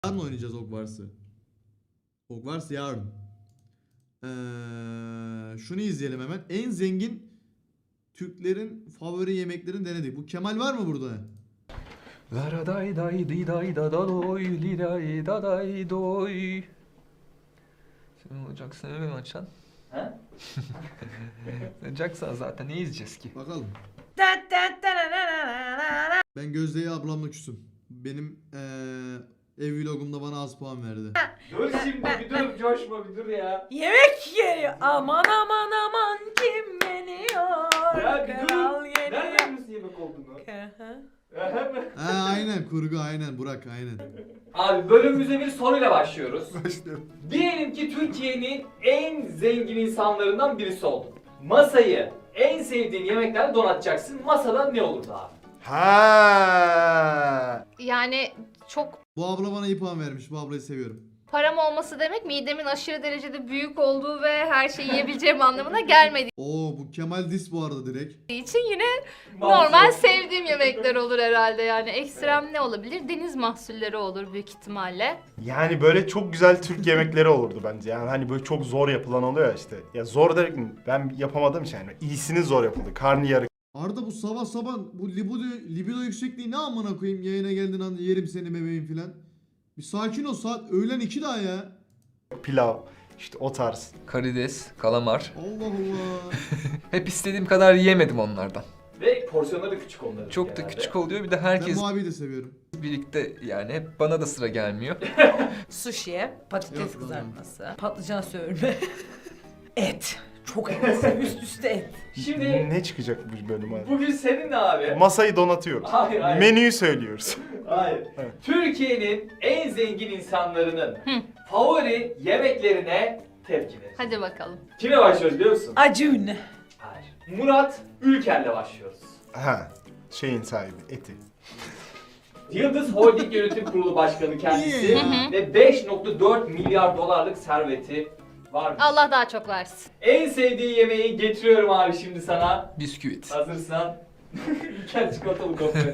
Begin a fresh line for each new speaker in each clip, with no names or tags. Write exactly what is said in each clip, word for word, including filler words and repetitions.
Yarın oynayacağız Hogwarts'ı. Hogwarts yarın. Ee, şunu izleyelim hemen. En zengin Türklerin favori yemeklerini denedik. Bu Kemal var mı burada?
Lara day day di day da da doy li day da day doy. Sen olacaksın öyle mi açan?
He?
Olacaksan zaten ne izleyeceğiz ki?
Bakalım. Ben Gözde'ye ablamla küsüm. Benim ee, ev vlogumda bana az puan verdi.
Dur şimdi bir dur coşma bir dur ya.
Yemek geliyor. Aman aman aman kim geliyor?
Ya bir dur.
Kral geliyor.
Nereden misin yemek olduğunu?
Ha aynen kurgu aynen Burak aynen.
Abi bölümümüze bir soruyla başlıyoruz.
Başlıyorum.
Diyelim ki Türkiye'nin en zengin insanlarından birisi oldun. Masayı en sevdiğin yemeklerle donatacaksın. Masada ne olurdu abi?
Ha.
Yani çok
Bu abla bana iyi puan vermiş. Bu ablayı seviyorum.
param olması demek midemin aşırı derecede büyük olduğu ve her şeyi yiyebileceğim anlamına gelmediği
Oo bu Kemal Dis bu arada direkt.
için yine normal sevdiğim yemekler olur herhalde yani. Ekstrem ne olabilir? Deniz mahsulleri olur büyük ihtimalle.
Yani böyle çok güzel Türk yemekleri olurdu bence. Yani hani böyle çok zor yapılan oluyor ya işte. Ya zor derek mi? Ben yapamadığım için yani. İyisini zor yapıldı. Karnıyarık,
Arda bu sabah sabah bu libido, libido yüksekliği ne amına koyayım yayına geldiğin anda yerim seni bebeğim filan. Bir sakin ol saat öğlen iki daha ya.
pilav, işte o tarz.
Karides, kalamar.
Allah Allah.
Hep istediğim kadar yiyemedim onlardan.
Ve porsiyonları da küçük onların.
Çok da
genelde.
küçük oluyor. Bir de
Ben
herkes
bu abiyi de seviyorum.
birlikte yani hep bana da sıra gelmiyor.
Sushi'ye patates
Yok,
kızartması, patlıcan söğürme, et. Çok et. Üst üste et.
Şimdi
Ne çıkacak bu bölüm abi?
bugün seninle abi.
Masayı donatıyoruz.
Hayır hayır.
Menüyü söylüyoruz.
Hayır.
Evet.
Türkiye'nin en zengin insanlarının favori yemeklerine tepki verin.
Hadi bakalım.
Kime başlıyoruz biliyor musun?
Acun.
Hayır. Murat Ülker'le başlıyoruz.
Ha. Şeyin sahibi, eti.
Yıldız Holding Yönetim Kurulu Başkanı kendisi
Hı hı.
ve beş nokta dört milyar dolarlık serveti varmış.
Allah daha çok versin.
En sevdiği yemeği getiriyorum abi şimdi sana.
Bisküvit.
Hazırsan. Ülker çikolatalı gofret.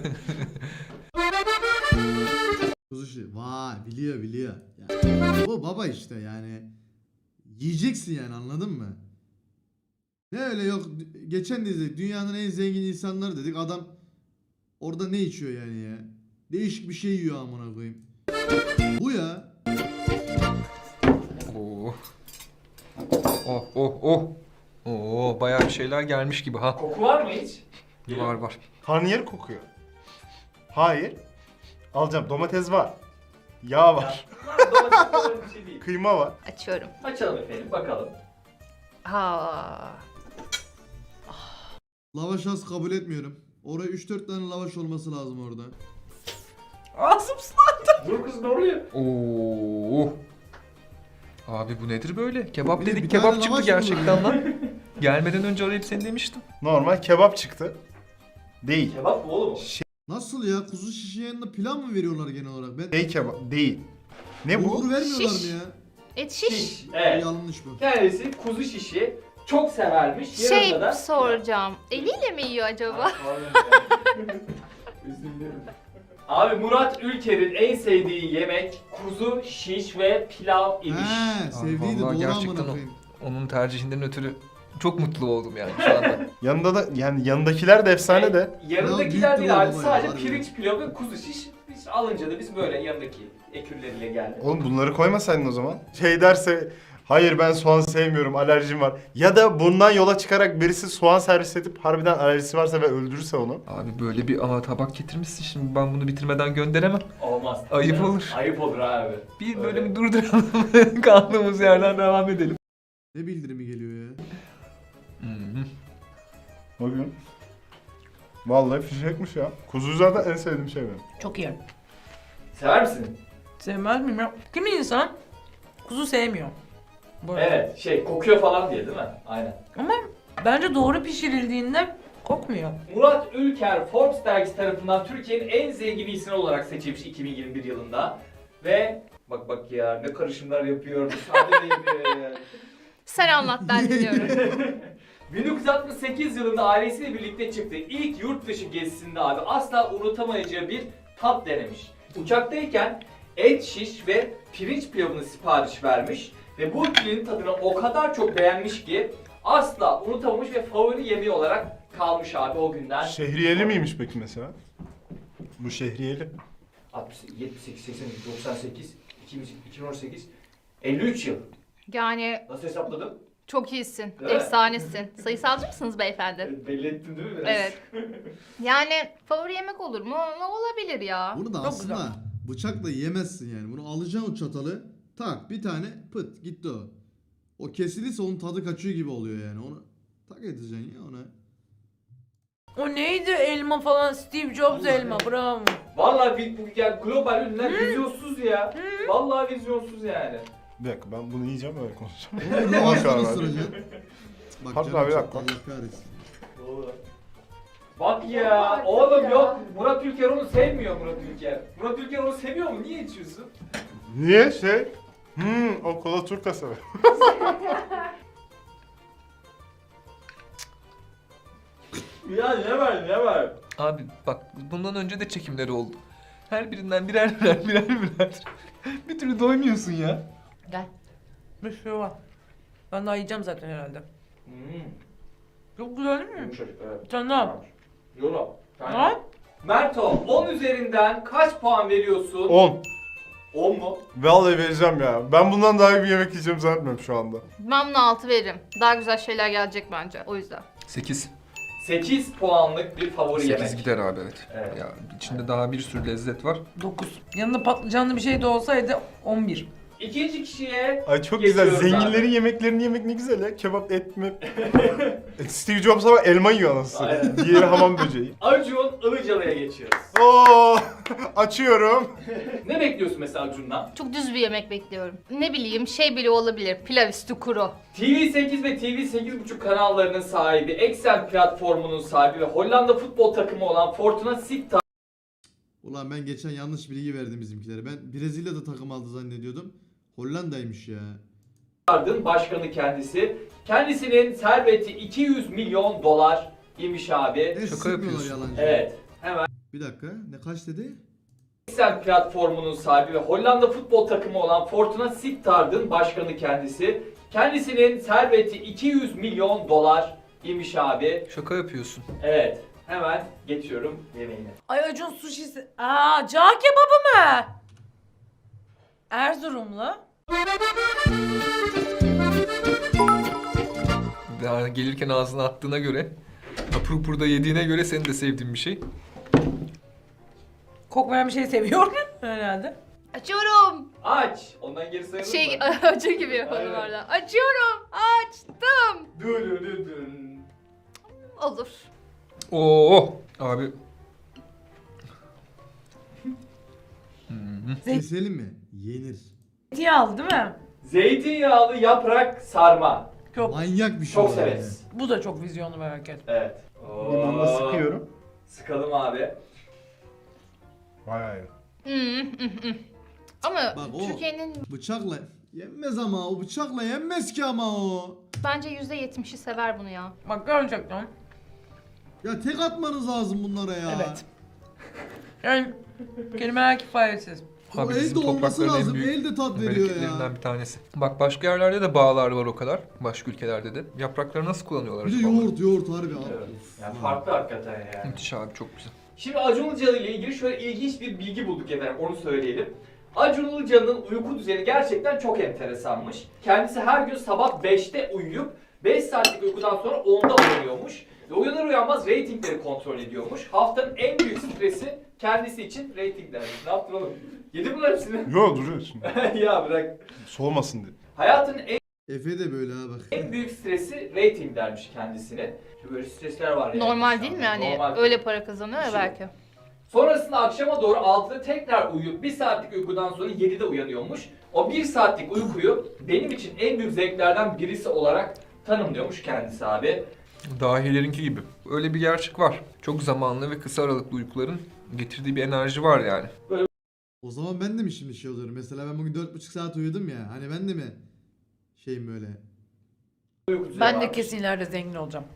Kuzu şi- Vay biliyor biliyor. Yani, bu baba işte yani. Yiyeceksin yani anladın mı? Ne öyle yok geçen de izledik dünyanın en zengin insanları dedik adam orada ne içiyor yani ya? Değişik bir şey yiyor amına koyayım. Bu ya.
Oo. Oh oh oh. Oo bayağı bir şeyler gelmiş gibi ha.
Koku var mı hiç?
Var var.
Karnıyarık kokuyor. Hayır. Alacağım. Domates var. Yağ var.
Ya, domates falan bir şey değil.
Kıyma var.
Açıyorum.
Açalım efendim bakalım.
Ha.
Lavaş az kabul etmiyorum. Oraya üç dört tane lavaş olması lazım orada.
Ağzım sulandı.
Dur kız ne oluyor?
Oo. Abi bu nedir böyle? Kebap
Bir de
dedik
bir
kebap
tane
çıktı
lavaş
gerçekten
mı?
lan. Gelmeden önce arayıp seni demiştim.
Normal kebap çıktı. Değil.
Kebap mı oğlum?
Nasıl ya? Kuzu şişi yanında pilav mı veriyorlar genel olarak? Ben
Şey kebap değil. Ne bu?
bulgur vermiyorlar
Şiş.
mı ya?
Et şiş.
Şiş. Evet.
Yanlış bu.
Kendisi kuzu şişi çok severmiş.
Şey
Yanında da...
soracağım. Eliyle mi yiyor acaba?
Üzüldüm. Abi Murat Ülker'in en sevdiği yemek kuzu şiş ve pilav imiş.
He, sevdiydi
vallahi
doğru
gerçekten
amına
o.
koyayım.
Onun tercihinden ötürü çok mutlu oldum yani şu anda.
Yanında da yani yanındakiler de efsane de.
Ya
Yanındakiler
büyük
değil abi
duvar
sadece
baba ya,
pirinç pilav ve kuzu şiş. Biz alınca da biz böyle yanındaki ekürleriyle geldik.
Oğlum bunları koymasaydın o zaman. Şey derse hayır ben soğan sevmiyorum alerjim var. Ya da bundan yola çıkarak birisi soğan servis edip harbiden alerjisi varsa ve öldürürse onu.
Abi böyle bir ama tabak getirmişsin şimdi ben bunu bitirmeden gönderemem.
Olmaz.
Ayıp olur.
Ayıp olur abi.
Bir
Öyle.
bölüm durduralım. Kaldığımız yerden devam edelim.
Ne bildirimi geliyor ya?
Hı-hı.
Bakın. Vallahi fişekmiş ya. Kuzu zaten en sevdiğim şey benim.
Çok iyi.
Sever misin?
Sevmez miyim ya? Kimi insan kuzu sevmiyor. Bu arada.
Evet şey kokuyor falan diye değil mi? Aynen.
Ama bence doğru pişirildiğinde kokmuyor.
Murat Ülker Forbes dergisi tarafından Türkiye'nin en zengin insanı olarak seçilmiş iki bin yirmi bir yılında. Ve bak bak ya ne karışımlar yapıyor, müsaade yapıyor ya.
Sen anlat ben dinliyorum.
bin dokuz yüz altmış sekiz yılında ailesiyle birlikte çıktığı ilk yurt dışı gezisinde abi asla unutamayacağı bir tat denemiş. Uçaktayken et şiş ve pirinç pilavını sipariş vermiş. Ve bu ikilinin tadını o kadar çok beğenmiş ki asla unutamamış ve favori yemeği olarak kalmış abi o günden.
Şehriyeli miymiş peki mesela? Bu şehriyeli.
altmış, yetmiş sekiz, seksen, doksan sekiz, iki bin on sekiz, elli üç yıl.
Yani
Nasıl hesapladın?
çok iyisin,
Değil mi?
efsanesin. Sayısalcı mısınız beyefendi?
Evet, belli ettin değil mi biraz?
Evet. Yani favori yemek olur mu? Ne olabilir ya?
Bunu da
Çok
aslında
güzel.
bıçakla yiyemezsin yani. Bunu alacaksın o çatalı. Tak bir tane pıt gitti o. O kesilirse onun tadı kaçıyor gibi oluyor yani. Onu tak edeceksin ya ona.
O neydi elma falan, Steve Jobs
Vallahi.
elma, bravo.
Vallahi bir, bu yani global ünlüler vizyonsuz ya. Vallahi vizyonsuz yani.
Bir dakika ben bunu yiyeceğim öyle konuşacağım.
Onu
Bak
ravasını
abi.
ısıracaksın. Bak
Harbi
canım
abi,
çattı,
bak.
Allah kahretsin.
Doğru. Bak ya, oğlum yok. Murat Ülker onu sevmiyor Murat Ülker. Murat Ülker onu seviyor mu? Niye içiyorsun?
Niye şey? Hmm, o kola turka sever.
Ya ne var ne var?
Abi bak bundan önce de çekimleri oldu. Her birinden birer birer birer birer. Bir türlü doymuyorsun ya.
Gel. Bir şey var. Ben daha yiyeceğim zaten herhalde.
Hmm.
Çok güzel değil mi?
Yumuşacık evet.
Sen ne yap?
Yola.
Ha?
Merto on üzerinden kaç puan veriyorsun?
on.
on mu?
Vallahi vereceğim ya. Ben bundan daha iyi bir yemek yiyeceğim zannetmiyorum şu anda.
Ben buna altı veririm. Daha güzel şeyler gelecek bence o yüzden.
sekiz.
sekiz puanlık bir favori
sekiz
yemek.
gider abi evet.
Evet.
Ya içinde daha bir sürü lezzet var.
dokuz. Yanında patlıcanlı bir şey de olsaydı on bir.
İkinci kişiye
Ay çok güzel.
geçiyoruz
Zenginlerin
abi.
yemeklerini yemek ne güzel ya. Kebap, et mi? Steve Jobs ama elma yiyor anasını.
Aynen.
Diğeri hamam böceği.
Acun Ilıcalı'ya geçiyoruz.
Oo, açıyorum.
Ne bekliyorsun mesela Acun'dan?
Çok düz bir yemek bekliyorum. Ne bileyim şey bile olabilir. Pilav üstü kuru.
T V sekiz ve T V sekiz buçuk kanallarının sahibi, Exxen platformunun sahibi ve Hollanda futbol takımı olan Fortuna Sittard
Ulan ben geçen yanlış bilgi verdim bizimkilere. Ben Brezilya'da takım aldı zannediyordum. Hollanda'ymış ya.
Ardın başkanı kendisi. Kendisinin serveti iki yüz milyon dolar imiş abi.
Ne
Şaka
sıkmıyorlar
yapıyorsun.
yalancı.
Evet. Hemen
Bir dakika. Ne kaç dedi?
Exxen platformunun sahibi ve Hollanda futbol takımı olan Fortuna Sittard'ın başkanı kendisi. Kendisinin serveti iki yüz milyon dolar imiş abi.
Şaka yapıyorsun.
Evet. Hemen geçiyorum yemeğine.
Ay Acun suşisi. Aa, cağ kebabı mı? Erzurumlu.
Daha gelirken ağzına attığına göre, hapur hapur da yediğine göre senin de sevdiğin bir şey.
Kokmayan bir şey seviyorum herhalde.
Açıyorum.
Aç. Ondan geri sayılır
Şey
mı?
acı gibi yapalım
Aynen.
orada. Açıyorum. Açtım.
Dürürüdün.
Olur.
Oo abi. Hı-hı.
Keselim mi? Yenir.
Zeytinyağlı değil mi?
Zeytinyağlı yaprak sarma.
Çok.
Manyak bir şey.
Çok
olur yani.
severiz.
Bu da çok vizyonlu bir hareket.
Evet.
Limonla sıkıyorum.
Sıkalım abi.
Vay.
Hmm, hmm, hmm. Ama
Bak o-
Türkiye'nin
Bıçakla yenmez ama o bıçakla yenmez ki ama o.
bence yüzde yetmişi sever bunu ya.
Bak gerçekten.
Ya tek atmanız lazım bunlara ya.
Evet. Yani kelimeler kifayetsiz.
O
Abi
elde
bizim
olması
toprakların en
lazım.
büyük
Elde tat veriyor
bereketlerinden
ya.
bir tanesi. Bak başka yerlerde de bağlar var o kadar. Başka ülkelerde de. Yaprakları nasıl kullanıyorlar?
Bir de
acaba?
yoğurt yoğurt harbi.
Evet.
Of.
Yani
Ha.
farklı hakikaten yani.
Müthiş abi çok güzel.
Şimdi Acun Ilıcalı ile ilgili şöyle ilginç bir bilgi bulduk efendim, onu söyleyelim. Acun Ilıcalı'nın uyku düzeni gerçekten çok enteresanmış. Kendisi her gün sabah beşte uyuyup beş saatlik uykudan sonra onda uyanıyormuş. Ve uyanır uyanmaz reytingleri kontrol ediyormuş. Haftanın en büyük stresi kendisi için reytinglermiş. Ne yaptın oğlum? Yedi bunlar hepsini.
Yo duruyor şimdi.
Ya bırak.
Soğumasın diye.
Hayatın en,
Efe de böyle ha bak.
en büyük stresi reytinglermiş kendisine. Şimdi böyle stresler var yani.
Normal değil mi yani?
Normal.
Öyle para kazanıyor ya
Şimdi-
belki.
Sonrasında akşama doğru altıda tekrar uyuyup bir saatlik uykudan sonra yedide uyanıyormuş. O bir saatlik uykuyu benim için en büyük zevklerden birisi olarak tanımlıyormuş kendisi abi.
Dahilerinki gibi. Öyle bir gerçek var. Çok zamanlı ve kısa aralıklı uykuların getirdiği bir enerji var yani.
O zaman ben de mi şimdi şey oluyorum? Mesela ben bugün dört buçuk saat uyudum ya. Hani ben de mi şeyim böyle?
Uyku düzeni
Ben de
varmış.
kesin ileride zengin olacağım.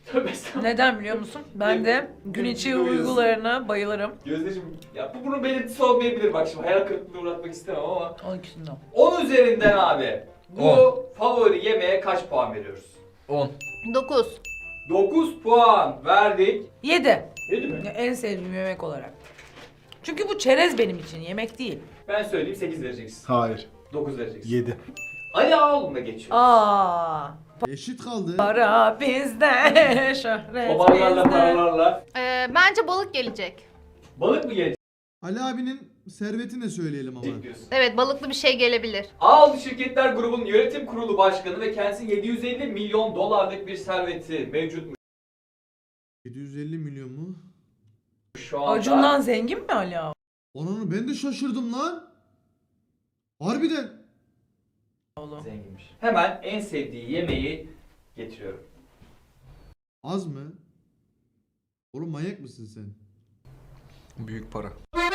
Tövbe estağfurullah.
Neden biliyor musun? Ben de gün içi
Gün-
uygularına bayılırım.
Gözdeciğim ya bu bunun belirtisi olmayabilir bak şimdi hayal kırıklığına uğratmak istemem ama.
On ikisinden.
on üzerinden abi bu
On.
favori yemeğe kaç puan veriyoruz?
on.
dokuz.
dokuz puan verdik.
Yedi.
Yedi mi?
Ya, en sevdiğim yemek olarak. Çünkü bu çerez benim için, yemek değil.
Ben söyleyeyim sekiz vereceksin.
Hayır.
dokuz vereceksin.
yedi.
Ali Ağaoğlu'na geçiyor.
Aa,
Eşit kaldı.
para bizde, şöhret
Babalarla
bizde.
paralarla.
Ee, bence balık gelecek.
Balık mı gelecek
Ali abinin servetini de söyleyelim ama.
diyorsun?
Evet, balıklı bir şey gelebilir.
Ağaoğlu Şirketler Grubu'nun yönetim kurulu başkanı ve kendisi yedi yüz elli milyon dolarlık bir serveti mevcutmuş
yedi yüz elli milyon mu?
şu anda.
Acun'dan zengin mi Ali abi?
Onu ben de şaşırdım lan. Harbiden.
Zenginmiş. Hemen en sevdiği yemeği getiriyorum.
Az mı? Oğlum manyak mısın sen?
Büyük para.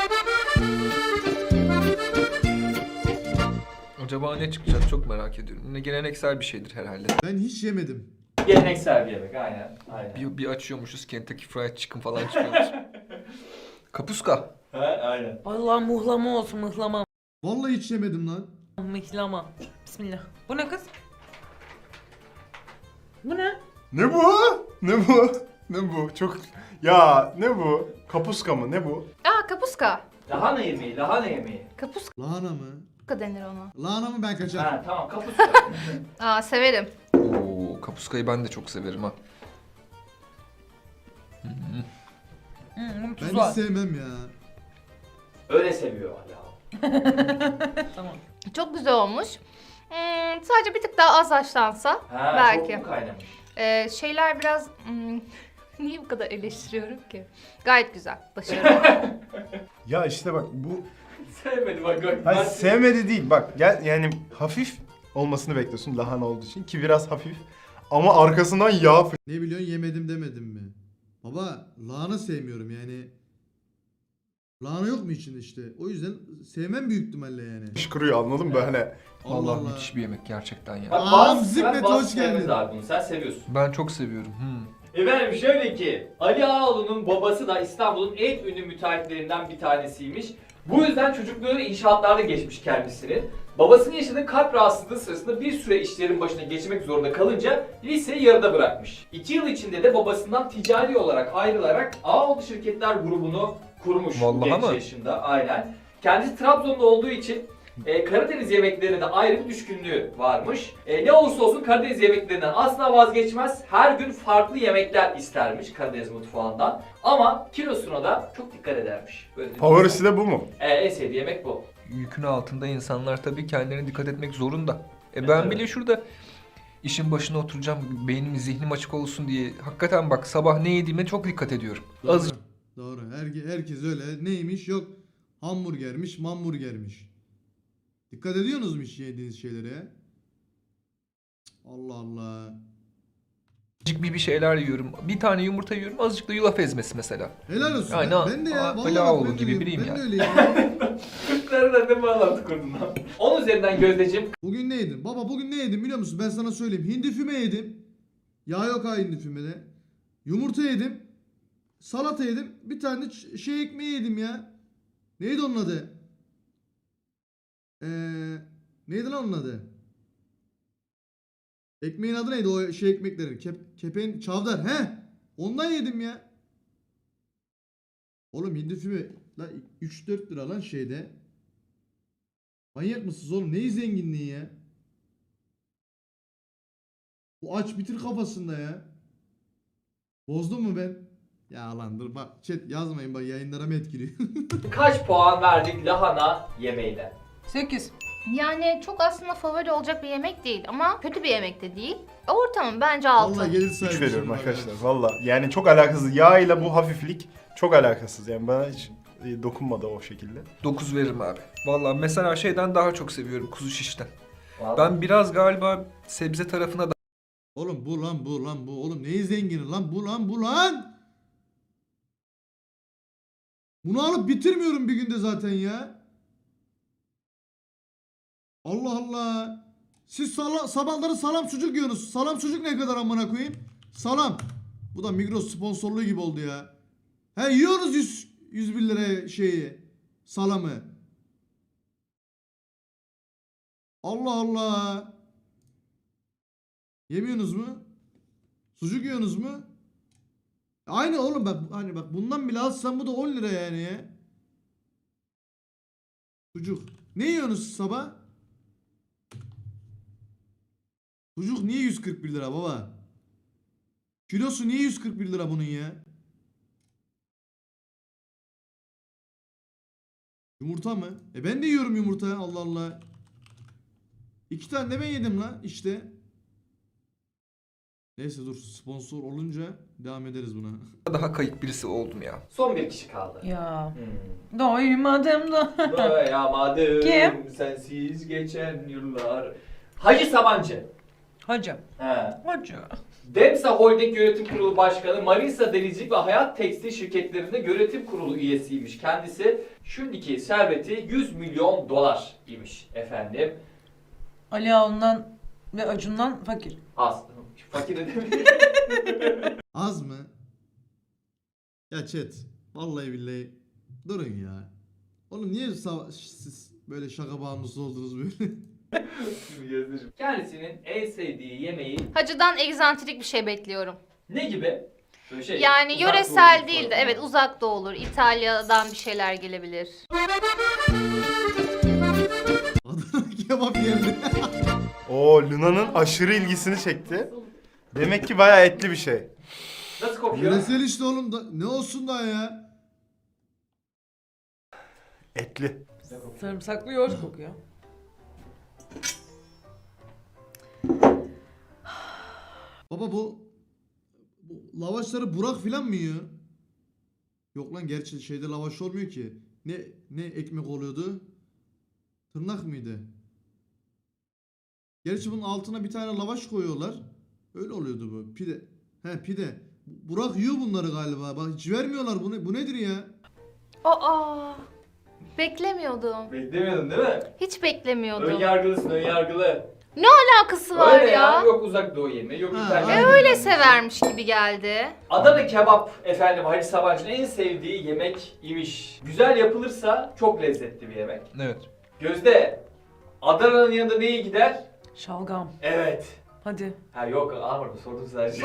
Acaba ne çıkacak çok merak ediyorum. Yine geleneksel bir şeydir herhalde.
Ben hiç yemedim.
Geleneksel bir yemek aynen. Aynen.
Bir, bir açıyormuşuz Kentucky Fried Chicken falan çıkıyormuş. Kapuska.
Ha, aynen.
Allah muhlama olsun, mıhlama.
Vallahi hiç yemedim lan.
Mıhlama. Bismillah. Bu ne kız? Bu ne?
Ne bu? Ne bu? Ne bu? Çok... Ya ne bu? Kapuska mı? Ne bu?
Aa, kapuska.
Lahana yemeği, lahana yemeği.
Kapuska
Lahana mı?
denir ona.
Lahana mı ben kaçar?
Ha tamam kapuska.
Aa, severim.
Oo, kapuskayı ben de çok severim ha.
Hmm, bunun
Ben
tuzu var.
hiç sevmem ya.
Öyle seviyor Ali Ağaoğlu.
Tamam.
Çok güzel olmuş. Hmm, sadece bir tık daha az haşlansa
Ha,
belki.
çok mu kaynamış?
Ee, şeyler biraz... hmm, niye bu kadar eleştiriyorum ki? Gayet güzel. Başarılı.
Ya işte bak bu...
Sevmedi bak. bak.
Hayır
Ben-
sevmedi değil bak gel yani hafif olmasını bekliyorsun lahana olduğu için ki biraz hafif ama arkasından yağ
Ne biliyorsun yemedim demedim mi? Baba lahana sevmiyorum yani. Lahana yok mu içinde işte? O yüzden sevmem büyük ihtimalle yani.
fışkırıyor anladın mı böyle?
Allah
Vallahi
Allah.
müthiş bir yemek gerçekten ya.
Bak
Aa,
bazı,
Zikmet,
ben bazı
hoş geldin.
sevmez abi bunu. Sen seviyorsun.
Ben çok seviyorum. Hmm.
Efendim şöyle ki Ali Ağaoğlu'nun babası da İstanbul'un en ünlü müteahhitlerinden bir tanesiymiş. Bu yüzden çocukluğu inşaatlarda geçmiş kendisinin. Babasının yaşadığı kalp rahatsızlığı sırasında bir süre işlerin başına geçmek zorunda kalınca liseyi yarıda bırakmış. İki yıl içinde de babasından ticari olarak ayrılarak Ağaoğlu Şirketler Grubu'nu kurmuş.
Vallahi
genç
mi?
yaşında aynen. Kendisi Trabzon'da olduğu için e, Karadeniz yemeklerine de ayrı bir düşkünlüğü varmış. E, ne olursa olsun Karadeniz yemeklerinden asla vazgeçmez. Her gün farklı yemekler istermiş Karadeniz mutfağından. Ama kilosuna da çok dikkat edermiş. Böyle
Favorisi de bu mu?
E, en sevdiği yemek bu.
Yükün altında insanlar tabii kendilerine dikkat etmek zorunda. E
Evet,
ben
evet.
bile şurada işin başına oturacağım, beynim, zihnim açık olsun diye. Hakikaten bak sabah ne yediğime çok dikkat ediyorum.
Doğru.
Az
Doğru. Her, herkes öyle. Neymiş? Yok hamburgermiş, mamburgermiş. Dikkat ediyorsunuz mu hiç yediğiniz şeylere? Allah Allah.
azıcık bir bir şeyler yiyorum. Bir tane yumurta yiyorum, azıcık da yulaf ezmesi mesela.
Helal olsun.
Aynen.
Ben, ben de ya.
Aa,
Vallahi
Ali
bak,
Ağaoğlu
ben de
gibi
öyleyim.
biriyim
Ben
ya.
de öyleyim.
Türklerle ne bağlantı kurdun lan? on üzerinden Gözdeciğim
Bugün ne yedin? Baba bugün ne yedim biliyor musun? Ben sana söyleyeyim. Hindi füme yedim. Yağ yok ha hindi fümede. Yumurta yedim. Salata yedim. Bir tane de ç- şey ekmeği yedim ya. Neydi onun adı? Ee, neydi lan onun adı? Ekmeğin adı neydi o şey ekmeklerin? Kep, kepeğin çavdar. He? Ondan yedim ya. Oğlum hindi füme la üç dört lira lan şeyde. Manyak mısınız oğlum? Neyi zenginliği ya? Bu aç bitir kafasında ya. Bozdum mu ben? Ya lan dur bak chat yazmayın bak yayınlara etkiliyor.
kaç puan verdik lahana yemeğine?
Sekiz.
Yani çok aslında favori olacak bir yemek değil ama kötü bir yemek de değil. Ortamın bence altı.
Vallahi gelir
üç
sahibi.
veriyorum arkadaşlar valla. Yani çok alakasız. Yağ ile bu hafiflik çok alakasız. Yani bana hiç e, dokunmadı o şekilde.
dokuz veririm abi. Vallahi mesela şeyden daha çok seviyorum, kuzu şişten.
Vallahi.
Ben biraz galiba sebze tarafına da
Oğlum bu lan bu lan bu. Oğlum neyi zengini lan bu lan bu lan. Bunu alıp bitirmiyorum bir günde zaten ya. Allah Allah. Siz sala, sabahları salam sucuk yiyorsunuz. Salam sucuk ne kadar amına koyayım? Salam. Bu da Migros sponsorluğu gibi oldu ya. He yiyoruz yüz, yüz bir liraya şeyi. Salamı. Allah Allah. Yemiyorsunuz mu? Sucuk yiyorsunuz mu? Aynı oğlum bak hani bak bundan bile alsam bu da on lira yani ya. Sucuk. Ne yiyorsunuz sabah? Sucuk niye yüz kırk bir lira baba? Kilosu niye yüz kırk bir lira bunun ya? Yumurta mı? E ben de yiyorum yumurta. Allah Allah. İki tane de ben yedim lan işte. Neyse dur sponsor olunca devam ederiz buna.
Daha kayık birisi oldum ya.
Son bir kişi kaldı.
Ya.
Hmm.
Doymadım da.
Doyamadım
Kim?
sensiz geçen yıllar. Hacı Sabancı.
Hacı.
He.
Hacı.
Demsa Holding Yönetim Kurulu Başkanı, Manisa Denizcilik ve Hayat Tekstil şirketlerinde yönetim kurulu üyesiymiş. Kendisi şimdiki serveti yüz milyon dolar imiş efendim.
Ali Ağa'ndan ve Acun'dan fakir.
Az. Fakir edebilir.
Az mı? Ya chat. Vallahi billahi. Durun ya. Oğlum niye sa- siz böyle şaka bağımlısı oldunuz böyle?
Kendisinin en sevdiği yemeği
Hacı'dan egzantrik bir şey bekliyorum.
ne gibi? Böyle şey,
Yani
uzak
yöresel
doğu
değil de
falan.
evet uzak doğu olur. İtalya'dan bir şeyler gelebilir.
Adana kebap yerine.
Oo, Luna'nın aşırı ilgisini çekti. Demek ki bayağı etli bir şey.
Nasıl kokuyor?
Yöresel işte oğlum da ne olsun daha ya?
Etli.
Sarımsaklı yoğurt kokuyor.
Baba bu, bu lavaşları Burak filan mı yiyor? Yok lan gerçi şeyde lavaş olmuyor ki. Ne ne ekmek oluyordu? Tırnak mıydı? Gerçi bunun altına bir tane lavaş koyuyorlar. Öyle oluyordu bu. Pide. He pide. Burak yiyor bunları galiba. Bak hiç vermiyorlar bunu. Bu nedir ya?
Aa, beklemiyordum.
Beklemiyordun değil mi?
Hiç beklemiyordum.
Ön yargılısın, ön yargılı.
Alakası var
Öyle
ya.
Yok uzak doğu yemeği, yok
Ha,
İtalya.
aynen.
Öyle severmiş gibi geldi.
Adana kebap efendim Hacı Sabancı'nın en sevdiği yemek imiş. Güzel yapılırsa çok lezzetli bir yemek.
Evet.
Gözde, Adana'nın yanında neye gider?
Şalgam.
Evet.
Hadi.
Ha yok almadım sordum sadece.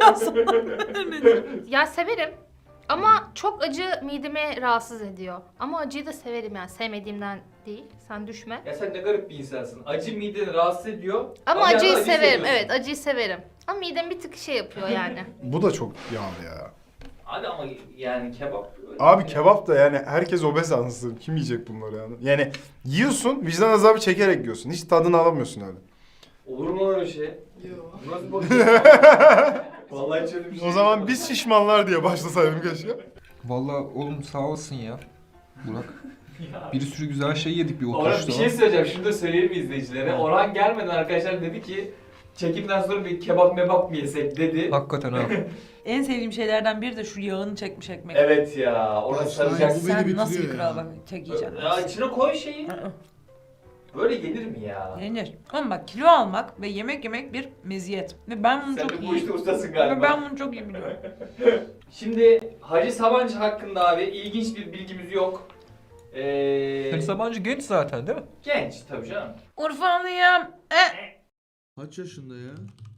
Ya severim. Ama çok acı midemi rahatsız ediyor. Ama acıyı da severim yani sevmediğimden değil. Sen düşme.
Ya sen ne garip bir insansın. Acı mideni rahatsız ediyor.
Ama
bir
acıyı
yandan acı
severim.
seviyorsun.
Evet acıyı severim. Ama midem bir tık şey yapıyor yani.
Bu da çok yağlı ya.
Hadi ama yani kebap. öyle
Abi
yani.
kebap da yani herkes obez ansın. Kim yiyecek bunları yani? Yani yiyorsun, vicdan azabı çekerek yiyorsun. Hiç tadını alamıyorsun öyle.
Olur mu öyle şey? Yok. Nasıl bakıyorsun? Vallahi hiç öyle bir şey
O zaman
yok.
biz şişmanlar diye başlasaydım keşke.
Vallahi oğlum sağ olasın ya. Burak.
Ya.
Bir sürü güzel şey yedik bir
Orhan
oturuşta.
bir şey söyleyeceğim. Şunu da söyleyelim izleyicilere. Orhan gelmeden arkadaşlar dedi ki çekimden sonra bir kebap mebap mı yesek dedi.
Hakikaten ha.
En sevdiğim şeylerden biri de şu yağını çekmiş ekmek.
Evet ya. Orası
Bak,
saracaksın.
bu beni
Sen nasıl bir
bitiriyor
kral
ya.
bak tek yiyeceksin.
Ya içine koy şeyi.
Hı.
Böyle yenir mi ya?
Yenir. Ama bak kilo almak ve yemek yemek bir meziyet. Ve ben bunu
Sen
çok
de
iyi...
bu işte ustasın
Ve
galiba.
ben bunu çok iyi biliyorum.
Şimdi Hacı Sabancı hakkında abi ilginç bir bilgimiz yok. Ee,
Hacı Sabancı genç zaten değil mi?
genç tabii canım.
Urfalıyım. E.
Kaç yaşında ya?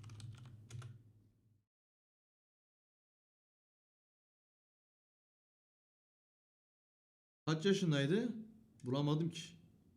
Kaç yaşındaydı? Bulamadım ki.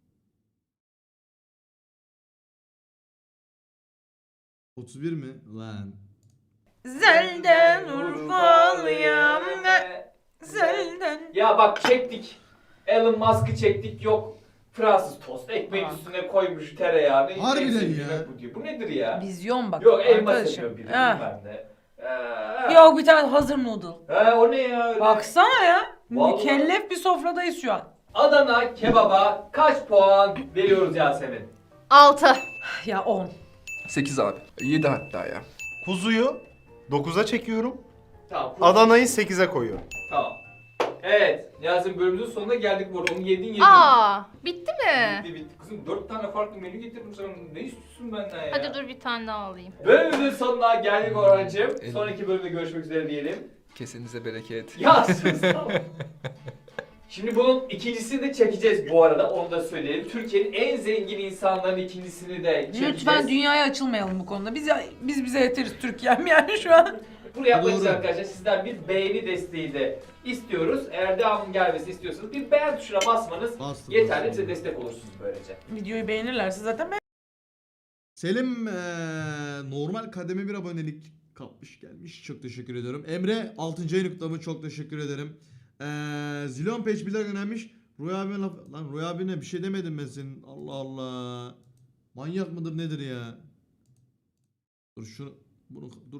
otuz bir mi? Lan.
Zelden Urfalıyım. E. Zelden.
Ya bak çektik. Elon Musk'ı çektik yok. Fransız tost ekmeğin
Bak.
üstüne koymuş tereyağını. en
Harbiden
sevdiğim
ya.
yemek Bu, diyor. Bu nedir ya?
Vizyon bak.
Yok elma
arkadaşım.
seviyor biri
Ha.
bilmem ne. Ee,
Yok bir tane hazır noodle.
Ha, o ne ya öyle?
Baksana ya.
Vallahi.
Mükellef bir sofradayız şu an.
Adana kebaba kaç puan veriyoruz Yasemin?
Altı.
Ya on.
sekiz abi. yedi hatta ya.
Kuzuyu dokuza çekiyorum.
Tamam.
Adana'yı sekize koyuyorum.
Tamam. Evet, Yasemin bölümümüzün sonuna geldik bu arada. Onu yedin yedin.
Aa, bitti mi?
Bitti bitti. Kızım dört tane farklı menü getirdim sana. Ne istiyorsun benden ya?
Hadi dur bir tane daha alayım.
Bölümümüzün sonuna geldik Orhan'cığım.
Evet.
Sonraki bölümde görüşmek üzere diyelim.
Kesinize bereket.
Ya sus tamam. Şimdi bunun ikincisini de çekeceğiz bu arada, onu da söyleyelim. Türkiye'nin en zengin insanların ikincisini de çekeceğiz.
Lütfen dünyaya açılmayalım bu konuda. Biz biz bize yeteriz Türkiye'm yani şu an.
Bunu yapmak için
Doğru.
arkadaşlar sizden bir beğeni desteği de istiyoruz. Eğer devamın gelmesini istiyorsanız bir beğen tuşuna basmanız
Bastım,
yeterli,
bastım.
bize destek olursunuz böylece.
Videoyu beğenirlerse zaten ben...
Selim eee, normal kademe bir abonelik kapmış gelmiş. Çok teşekkür ediyorum. Emre altıncı ayın kutlamı, çok teşekkür ederim. Eee Zilon Page bir önermiş. Roy abi laf... Lan Roy abine bir şey demedim ben senin. Allah Allah. Manyak mıdır nedir ya? Dur şunu... Bunu... Dur